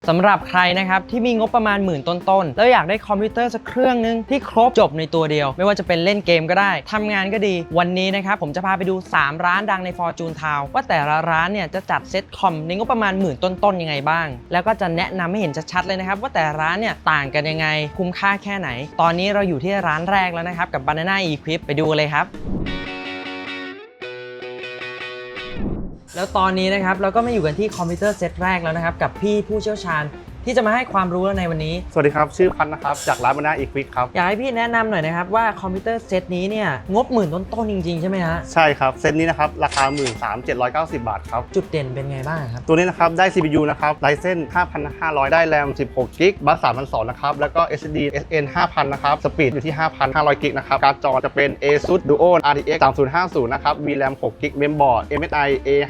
สำหรับใครนะครับที่มีงบประมาณหมื่นต้นๆแล้วอยากได้คอมพิวเตอร์สักเครื่องนึงที่ครบจบในตัวเดียวไม่ว่าจะเป็นเล่นเกมก็ได้ทำงานก็ดีวันนี้นะครับผมจะพาไปดู3ร้านดังใน Fortune Town ว่าแต่ละร้านเนี่ยจะจัดเซ็ตคอมในงบประมาณหมื่นต้นๆยังไงบ้างแล้วก็จะแนะนำให้เห็นชัดๆเลยนะครับว่าแต่ร้านเนี่ยต่างกันยังไงคุ้มค่าแค่ไหนตอนนี้เราอยู่ที่ร้านแรกแล้วนะครับกับ Banana Equip ไปดูเลยครับแล้วตอนนี้นะครับเราก็มาอยู่กันที่คอมพิวเตอร์เซตแรกแล้วนะครับกับพี่ผู้เชี่ยวชาญที่จะมาให้ความรู้ในวันนี้สวัสดีครับชื่อพันนะครับจากร้านBanana Equipครับอยากให้พี่แนะนำหน่อยนะครับว่าคอมพิวเตอร์เซตนี้เนี่ยงบหมื่นต้นๆจริงๆใช่ไหมฮะใช่ครับเซตนี้นะครับราคา 13,790 บาทครับจุดเด่นเป็นไงบ้างครับตัวนี้นะครับได้ CPU นะครับ Ryzen 5,500 ได้ RAM 16 GB บัส3,200 นะครับแล้วก็ SSD SN 5,000 นะครับสปีดอยู่ที่ 5,500 GB นะครับการ์ดจอจะเป็น ASUS Duo RTX 3050 นะครับ VRAM 6 GB Mainboard MSI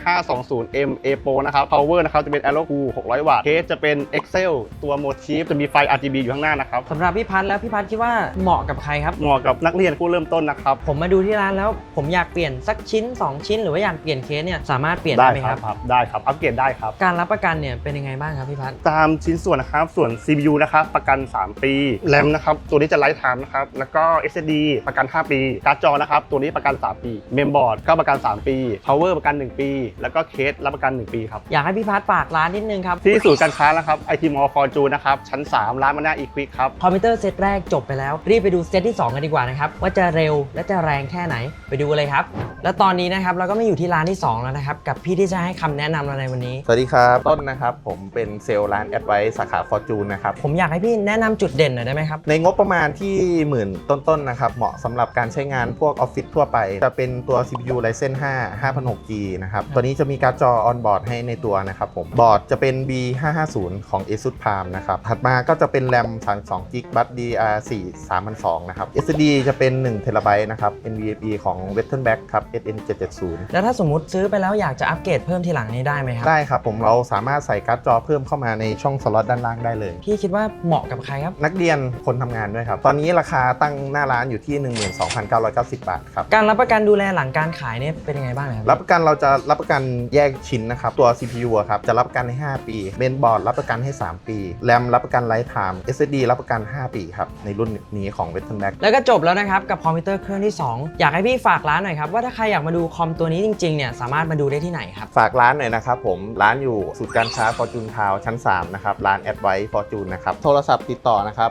A520M A Pro นะครับ Power นะครับจะเป็น Aero Cool 600 วัตต์เคสจะเป็น Excel ตัวโหมดชีฟจะมีไฟ RGB อยู่ข้างหน้านะครับสำหรับพี่พัฒน์แล้วพี่พัฒน์คิดว่าเหมาะกับใครครับเหมาะกับนักเรียนผู้เริ่มต้นนะครับผมมาดูที่ร้านแล้วผมอยากเปลี่ยนสักชิ้น2ชิ้นหรือว่าอยากเปลี่ยนเคสเนี่ยสามารถเปลี่ยนได้ไหมครับได้ครับอัปเกรดได้ครับการรับประกันเนี่ยเป็นยังไงบ้างครับพี่พัฒน์ตามชิ้นส่วนนะครับส่วน CPU นะครับประกัน3 ปี RAM นะครับตัวนี้จะไลฟ์ไทม์นะครับแล้วก็ SSD ประกัน5 ปีการ์ดจอนะครับตัวนี้ประกัน3 ปี Mainboard ก็ประกัน3 ปี Power ประกัน1 ปีแล้วก็เคสรับประกัน1 ปีครับอยากให้พี่พัฒน์ฝากร้านนิดนึงครับที่ศูนย์การค้านะครับ IT Mall Fortune นะครับชั้น3ร้าน Banana Equip ครับคอมพิวเตอร์เซตแรกจบไปแล้วรีบไปดูเซตที่2กันดีกว่านะครับว่าจะเร็วและจะแรงแค่ไหนไปดูเลยครับแล้วตอนนี้นะครับเราก็มาอยู่ที่ร้านที่2แล้วนะครับกับพี่ที่จะให้คำแนะนำเราในวันนี้สวัสดีครับต้นนะครับผมเป็นเซลล์ร้านแอดไวซ์สาขา Fortune นะครับผมอยากให้พี่แนะนำจุดเด่นหน่อยได้ไหมครับในงบประมาณที่หมื่นต้นๆนะครับเหมาะสำหรับการใช้งานพวกออฟฟิศทั่วไปจะเป็นตัว CPU Ryzen 5 5006G นะครับตัวนี้จะมีการ์ดจอ on board ให้ในตัวนะครับผมบอร์ดจะเป็น B550 ของ ASUS Palm นะครับถัดมาก็จะเป็น RAM 32 GB บัส DR4 3002นะครับ SSD จะเป็น1 TB นะครับ NVMe ของ Western Back ครับ SN770 แล้วถ้าสมมุติซื้อไปแล้วอยากจะอัปเกรดเพิ่มทีหลังนี้ได้ไหมครับได้ครับผมเราสามารถใส่การ์ดจอเพิ่มเข้ามาในช่องสล็อตด้านล่างได้เลยพี่คิดว่าเหมาะกับใครครับนักเรียนคนทำงานด้วยครับตอนนี้ราคาตั้งหน้าร้านอยู่ที่ 12,990 บาทครับการรับประกันดูแลหลังการขายเนี่ยเป็นยังไงบ้างครับรับประกันเราจะรับประกันแยกชิ้นนะครับตัว CPU ครับจะรับประกันให้5 ปีเมนบอร์ดรับประกันให้3 ปี RAM รับประกันไลฟ์ไทม์ SSD รับประกัน5 ปีครับในรุ่นนี้ของ Western Back แล้วก็จบแล้วนะครับกับคอมพิวเตอร์เครื่องที่2อยากให้พี่ฝากร้านหน่อยครับว่าถ้าใครอยากมาดูคอมตัวนี้จริงๆเนี่ยสามารถมาดูได้ที่ไหนครับฝากร้านหน่อยนะครับผมร้านอยู่ศูนย์การค้า Fortune Town ชั้น3นะครับร้าน Advice Fortune นะครับโทรศัพท์ติดต่อนะครับ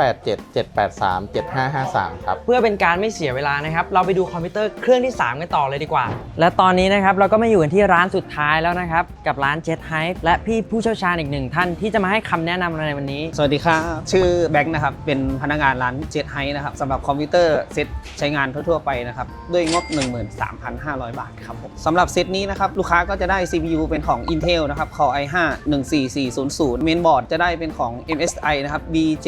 0877837553ครับเพื่อเป็นการไม่เสียเวลานะครับเราไปดูคอมพิวเตอร์เครื่องที่3กันต่อเลยดีกว่าและตอนนี้นะครับเราก็มาอยู่กันที่ร้านสุดท้ายแล้วนะครับกับร้าน Jet Hype และพี่ผู้เชี่ยวชาญอีก1ท่านที่จะมาให้คำแนะนำในวันนี้สวัสดีครับชื่อแบงค์นะครับเป็นพนักงานร้าน Jet Hype นะครับสำหรับคอมพิวเตอร์เซตใช้งานทั่วๆไปนะครับด้วยงบ 13,500 บาทครับผมสำหรับเซตนี้นะครับลูกค้าก็จะได้ CPU เป็นของ Intel นะครับ Core i5 14400 Mainboard จะได้เป็นของ MSI นะครับ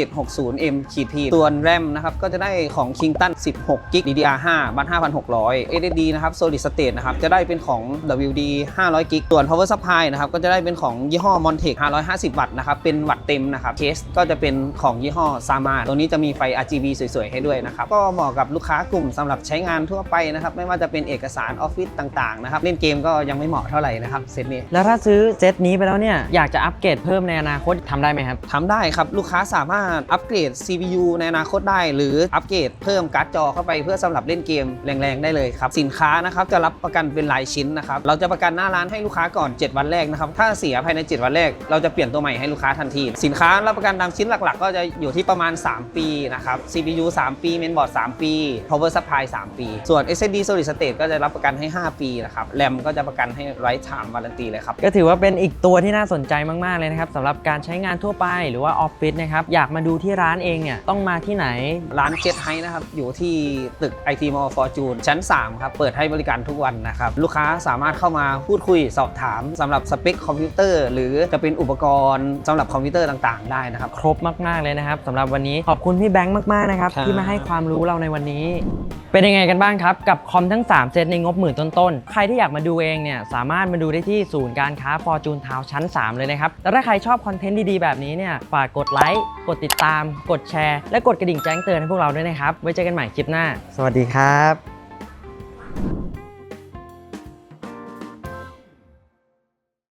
B760M-P ส่วน RAM นะครับก็จะได้ของ Kingston 16 GB DDR5 บัส5,600 SSD นะครับ Solid State นะครับจะได้เป็นของ WD 500 GB ส่วน Power Supply นะครับก็จะได้เป็นของยี่ห้อ Montech 550 วัตต์นะครับเป็นวัตต์เต็มนะครับเคสก็จะเป็นของยี่ห้อ Sama ตัวนี้จะมีไฟ RGB สวยๆให้ด้วยนะครับก็เหมาะกับลูกค้ากลุ่มสำหรับใช้งานทั่วไปนะครับไม่ว่าจะเป็นเอกสารออฟฟิศต่างๆนะครับเล่นเกมก็ยังไม่เหมาะเท่าไหร่นะครับเซตนี้แล้วถ้าซื้อเซตนี้ไปแล้วเนี่ยอยากจะอัปเกรดเพิ่มในอนาคตทำได้ไหมครับทำได้ครับลูกค้าสามารถอัปเกรด CPU ในอนาคตได้หรืออัปเกรดเพิ่มการ์ดจอเข้าไปเพื่อสำหรับเล่นเกมแรงๆได้เลยครับสินค้านะครับจะรับประกันเป็นรายชิ้นนะครับเราจะประกันหน้าร้านให้ลูกค้าก่อน7 วันแรกนะครับถ้าเสียภายใน7 วันแรกเราจะเปลี่ยนตัวใหม่ให้ลูกค้าทันทีสินค้ารับประกันตามชิ้นหลักๆก็จะอยู่ที่ประมาณ3 ปีนะครับ CPU 3 ปี Mainboard 3 ปี Power Supply 3 ปีส่วน SSD Solid State ก็จะรับประกันให้5 ปีนะครับ RAM ก็จะประกันให้ Lifetime Warranty เลยครับก็ถือว่าเป็นอีกตัวที่น่าสนใจมากๆเลยนะครับสำหรับการใช้งานทั่วไปหรือว่าออฟฟิศนะครับอยากมาดูที่ร้านเองเนี่ยต้องมาที่ไหนร้าน Jet Hype นะครับอยู่ที่ตึก IT Mall Fortune ชั้น3ครับเปิดให้บริการทุกวันนะครับลูกค้าสามารถเข้ามาพูดคุยสอบถามสำหรับสเปคคอมพิวเตอร์หรือจะเป็นอุปกรณ์สำหรับคอมพิวเตอร์ต่างๆได้นะครับครบมากๆเลยนะครับสำหรับวันนี้ขอบคุณพี่แบงค์มากๆนะครับที่มาให้ความรู้เราในวันนี้เป็นยังไงกันบ้างครับกับคอมทั้ง3เซตในงบหมื่นต้นๆใครที่อยากมาดูเองเนี่ยสามารถมาดูได้ที่ศูนย์การค้า Fortune Town ชั้น3เลยนะครับแล้วถ้าใครชอบคอนเทนต์ดีๆแบบนี้เนี่ยฝากกดไลค์กดติดตามกดแชร์และกดกระดิ่งแจ้งเตือนให้พวกเราด้วยนะครับไว้เจอกันใหม่คลิปหน้าสวัสดีครับ